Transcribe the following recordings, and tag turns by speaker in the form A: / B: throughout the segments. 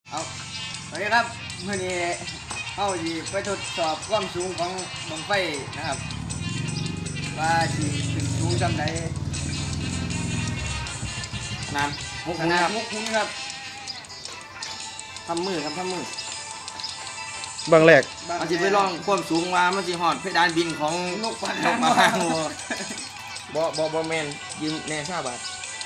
A: เอาสวัสดีครับมื่อนี้เอาสิไปทดสอบความสูงของบังไฟนะครับว่าสิขึ้นสูงจำใด
B: นานมุก
A: ข
B: มุก
A: นาด
B: ครับ
A: มุกคุ้ครับ
B: ทำมือครับทำมือบ
C: างแรก
B: มันจะไปลองความสูงว่ามันจะหอดเพดานบินของ
A: นกปลาน
B: กมาหางบ่แมนยืมแน่ทราบาท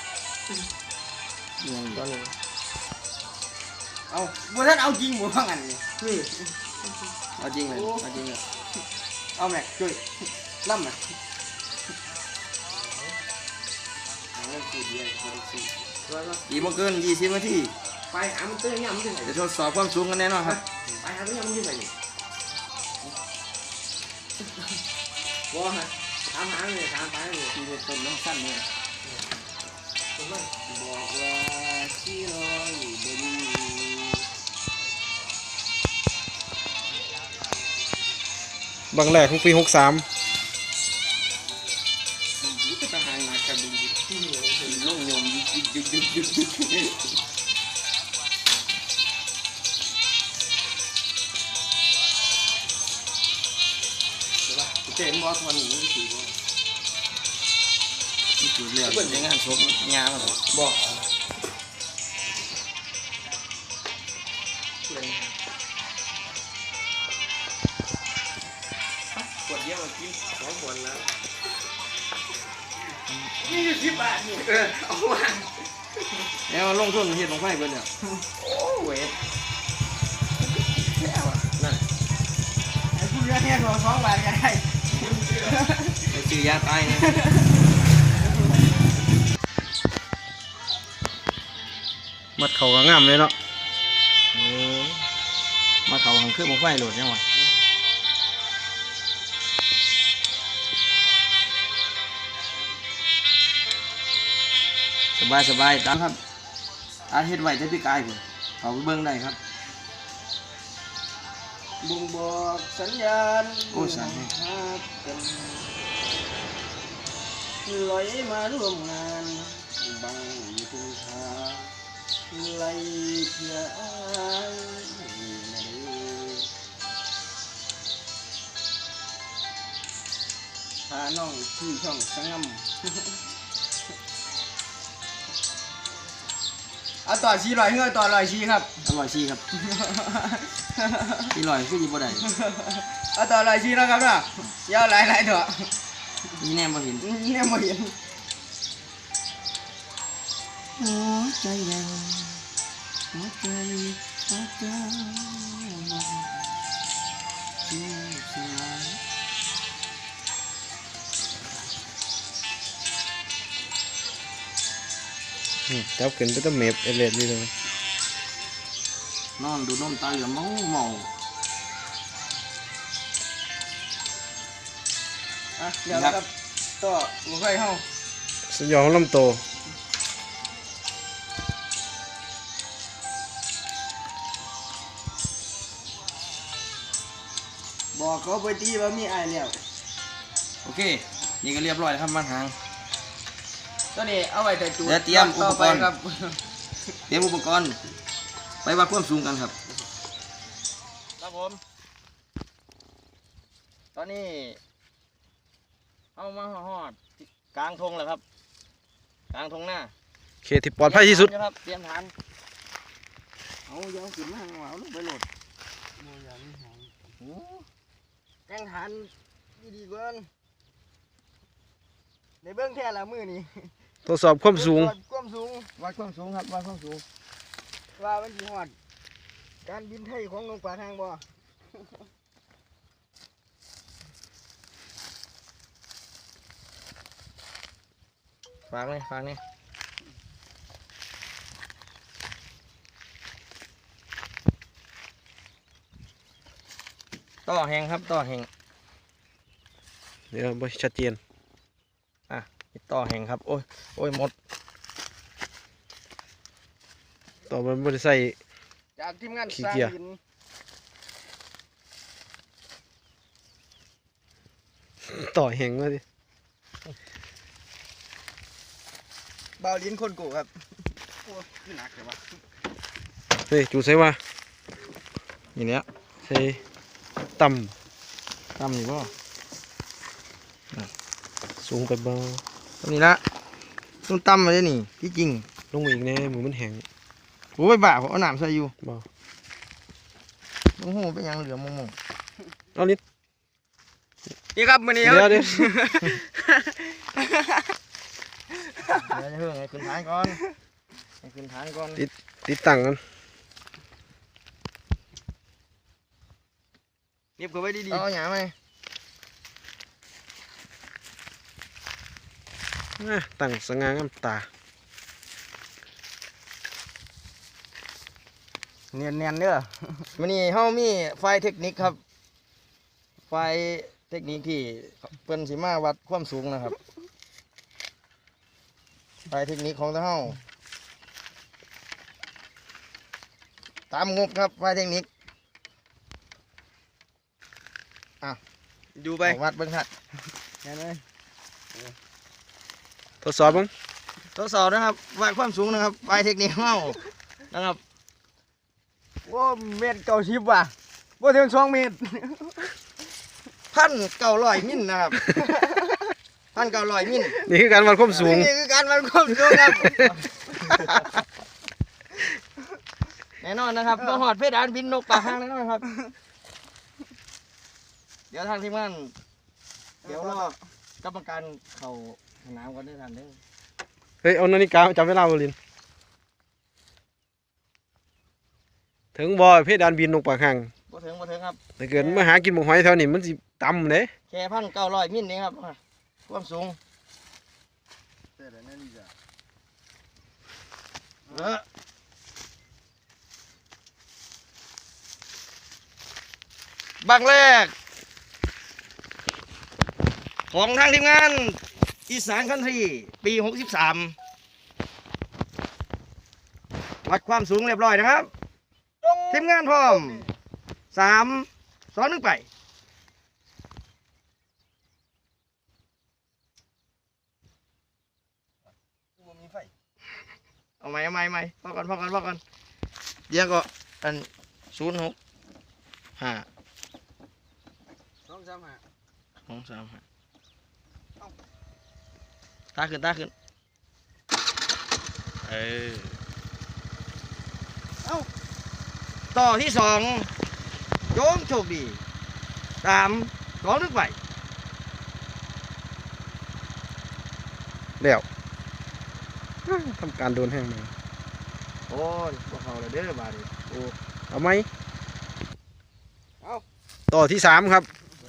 B: อย่างตอนนี้
A: เอาบ่ท่านเอาจริงบ่ว่างั้นนี่
B: เอาจริงเลยเอาจริงเลย
A: เอาแม็กช่วยล่ำน่ะเอาเรื่องสูตรเดียวเอาเรื่องสูตร
B: อีกบ่เกิน20 นาที
D: ไปหามันตื้อเนี่ยมันตื้อไหน
B: จะทดสอบความสูงกันแน่นอนครับ
D: ไปหามันเนี่ยมันตื้อไหนว้าฮะถามหาเลยถามไปเลย
A: ที่เป็นต้นน้องสั้นเนี่ย
D: ผมว่า
A: บอกว่าที่รออยู่บน
C: บางแรกของปี 63
A: ก็ทหารมากันดูที่ลงยมยึกเจ๋งบอสวันนี้ถือว่า
B: นี่คือเรื่องในงานศพงานครับ
A: บอก
D: ขวดเดียวกิน2 ขวดแล้ว
A: นี่อยู่10 บาทนี่
D: เอามา
B: แล้วลงทุนเฮ็ดลงไฟเบิดแล้ว
D: โอ้เว้ย
B: นั่น
A: ไอ้ผู้เลี้ยงเนี่ยตัว2 บาทก็ได้
B: ไปซื้อยาตายเนี่ย
C: มัดเขาก็งามเลยเนาะ
B: มาเขาของเครื่องลงไฟโหลดยังวะสบายตามครับอาเฮ็ดไว้แต่พี่กายพุ่นเขาไปเบิ่งได้ครับ
A: บ่งบอกสัญญาณ
B: โอ้สั่นแฮะ
A: ครับเป็นลอยมาร่วมงานบังทุ่งทาไล่เพียอายมาเด้อพาน้องที่ช่องสงำ เอาต่อชีลอยเงยต่อลอยชีครับ
B: อร่อยชีครับที่ลอยคือดีบ่ได้
A: เอาต่อลอยชีแล้วครับเนาะยาวหลายๆเถอะ
B: นี่แน่บ่เห็น
A: เนี่ยไม่เห็น
B: หัวใจแดงหัวใจหัวใจที่สลาย
C: จับขึ้นไปต้องเมฟเอเลดนี่เลย
B: นอนดูนมตาเหลือมเมา
A: อ่ะเดี๋ยวนะครับต่อหัวไฟเฮา
C: สยองลำโต
A: บอกเขาไปตีว่ามีไอายแล้ว
B: โอเค นี่ก็เรียบร้อยแล้วครับมันหาง
A: ตอนนี้เอาไว้แต่จูด
B: เดี๋ยวเตรียมอุปกรณ์
A: ต่ไปครับ
B: เตรียมอุปกรณ์ไปวัดความสูงกันครับ ครับผม ตอนนี้เอามาหอดกลางทงแล้วครับ กลางทงหน้า
C: เขตที่ปลอดภัยที่สุด
B: ครับเตรียมฐาน
A: เอายาวขึ้นมาข้างหลังเอาลงไปโหลดแกงฐานดีๆเกินในเบื้องแค่ละมือนี่
C: ทดสอบความสูง
A: ความสูง
B: วัดความสูงครับวัดความสูง
A: ว่ามันสิฮอดการบินไทยของนกปลาทางบ่
B: ฟังเลยฟังนี่ต่อแหงครับต่อแหง
C: เดี๋ยวบ่ชัดเจน
B: ต่อแหงครับโอ้ยโอ้ยหมด
C: ต่อมันบ่ได้ใส่
A: จากทีมงาน
C: ขี้
A: สร้าง
C: เกียจ
A: หิน
C: ต่อแหงมาดิ
A: เบาลิ้นคนโกครับโอ้ยหนักเลยวะ
C: เฮ้ยจูใส่ว่า
B: นี่เนี้ย
C: ใส่ต่
B: ตำนี่บ่
C: ำสูงไปเบา
B: ตำนี่ละต้มตำมาได้นี่ที่จริง
C: ลงมาอีกแน่มือมันแห้ง
B: โอ้ยบ้าผมเอาน้ำใส่อยู่
C: บ่
B: โอ้โหเป็นหยังเหลือมง
C: เอาลิ้น
B: ๆนี่ครับมื้อนี้
C: เดี๋ยวเดี๋ยว
B: เดี๋ยวจะเพิ่งให้ขึ้นฐานก่อนให้ขึ้นฐานก่อน
C: ติดตั้งกัน
A: เก็บเขาไว้ดี
B: เอาหยาไหม
C: ตั้งสง่างามตา
A: ๆเนียนๆเด้อ
B: มื้อนี้เฮามีไฟเทคนิคครับ ไฟเทคนิคที่เพิ่นสิมาวัดความสูงนะครับ ไฟเทคนิคของเฮาตามงบครับไฟเทคนิค
A: ดูไป
B: วัดเบิ่งครับ
A: แค่นั้นเลย
C: ทดสอบมั้ง
B: ทดสอบนะครับวัดความสูงนะครับไฟเทคนิคของเฮานะครับ
A: ว่าเม็ดเก่าชิบว่ะว่าถึง2 เมตร
B: 1,900 มิลนะครับ 1,900 มิล
C: นี่คือการวัดความสูง
B: นี่คือการวัดความสูงครับ แน่นอนนะครับต้องหอดเพดานบินนกปากหางแน่นอนครับ เดี๋ยวทางทีมงานเดี๋ยวรอกรรมการเข้าสนามกันด้วยกันเด้อ
C: เฮ้ยเอานาฬิกาจับเวลาบ่ลินถึงบ่เพดานบินลงปากหาง
B: บ่ถึงครับ
C: ถ้าเกิดมาหากินหมูหอยแถวนี้มันสิต่ำเด้
B: แค่1,900 มิลนี่ครับความสูง
A: แต่ละนั่นจ้ะ
B: บังแรก ของทางทีมงานอีสานคันทรีปี 63 วัดความสูงเรียบร้อยนะครับ ทีมงานพร้อม 3 2 1 ไป เอาไหมพอก่อนเดี๋ยวก็อัน06 5
A: 2-3 หา
B: 2 3 5ตาขึ้นเออต่อที่2โยมโชคดี3 2 1 ไป
C: แล้วทำการโดนแห้งมา
B: โอ้ยพวกเขาเลยเด้อบาดนี้โอ้
C: เอาไหมต่อที่3ครับ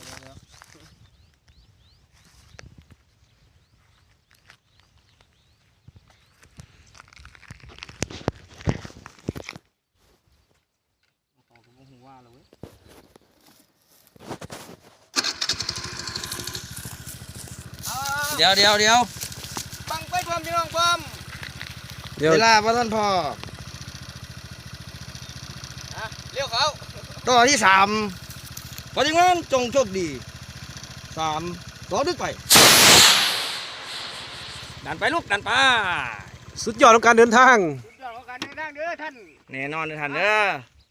B: เดี๋ยวบังไปพร้อมพี่น้องพร้อม
C: เดี๋ยว
B: เวลาพระท่านพ่อ
A: เลี้ยวเขา
B: ต่อที่3ปฏิงานจงโชคดี3 2 1 ไปดันไปลูกดันไป
C: สุดยอดของการเดินทาง
A: สุดยอดของการเดินทางเด้อท่าน
B: แน่นอนนะท่านเด้อ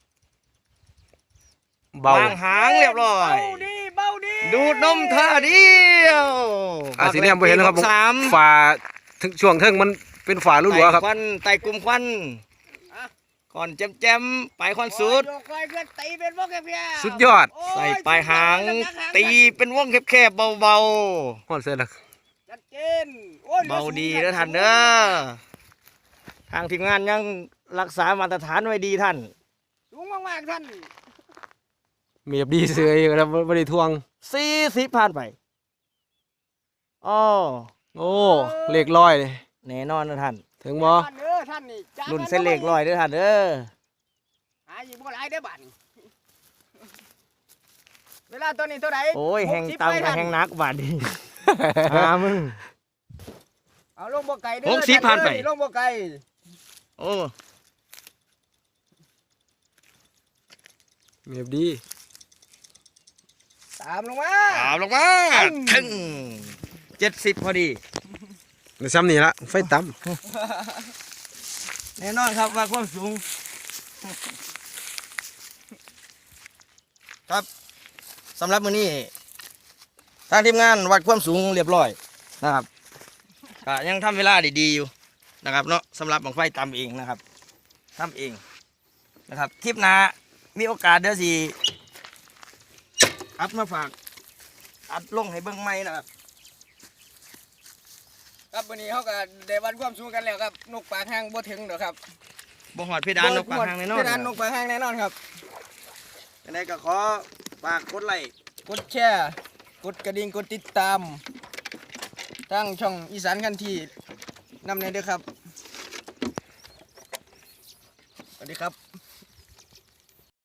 C: เบาว
B: างหางเรียบร้อย
A: เบาดี
B: ดูดนมท่าเดียว
C: สีแดงบ่เห็นนะครับผม
B: 3
C: ฝาถึงช่วงเทิงมันเป็นฝาลุ่วๆครับ
B: ควันไต่กลุ่มควันก่อนแจมไปควันสุด
A: โยกคอยเพื่อนตีเป็นวงแคบๆ
C: สุดยอด
B: ใส่ปลายหาง ตีเป็นวงแคบๆเบา
C: ฮอดเสร็จแล้ว
A: ชัดเจนโอ้ย
B: ๆ เบาดีเด้อท่านเด้อทางทีมงานยังรักษามาตรฐานไว้ดีท่าน
A: สูงมากๆท่าน
C: มีแบบดีเสยแล้วบ่ได้ทวง
B: 40ผ่านไปอ้อ
C: โอ้เลขร้อยเลย
B: แน่นอนนะท่าน
C: ถึงบ่
A: ท่านเด้อท่านนี่จ้า
B: รุ่นเส้นเลขร้อยเด้อท่านเด้อ
A: หาอยู่บ่หลายเด้อบัดนี้เวลาตัวนี้เท่าไหร่
B: โอ้ยแหง
A: 60
B: ต่ำ
A: ไป
B: กับ
A: ท่าน
B: แหงนักบาดนี มึง
A: เอาลงบ่ไก่เด้อ
B: 60ผ่านไป
A: ลงบ่ไก่
B: โอ้
C: มีแบบดี
A: ตามลงมา
B: ตามลงมาถึง70พอดี
C: ในซ้ำนี่ละไฟต่
B: แน่นอนครับว่าความสูงครับสำหรับมื้อนี้ทางทีมงานวัดความสูงเรียบร้อยนะครับก็ยังทำเวลาดีๆอยู่นะครับเนาะสำหรับบังไฟตำเองนะครับทำเองนะครับทริปหน้ามีโอกาสเดี๋ยวสิอัดมาฝากอัดลงให้เบิ่งใหม่นะครับ
E: ครับวันนี้เขาก็ได้วัดความสูงกันแล้วครับนกปากหางบ่ถึงเด้อครับ
B: บ่หอดเพดานนกปากหางแน่นอน
E: เพดานนกปากหางแน่นอนครับ
B: ยังไงก็ขอฝากกดไลค์
E: กดแชร์กดกระดิ่งกดติดตามทั้งช่องอีสานคันที่นำในเด้อครับสวัสดีครับ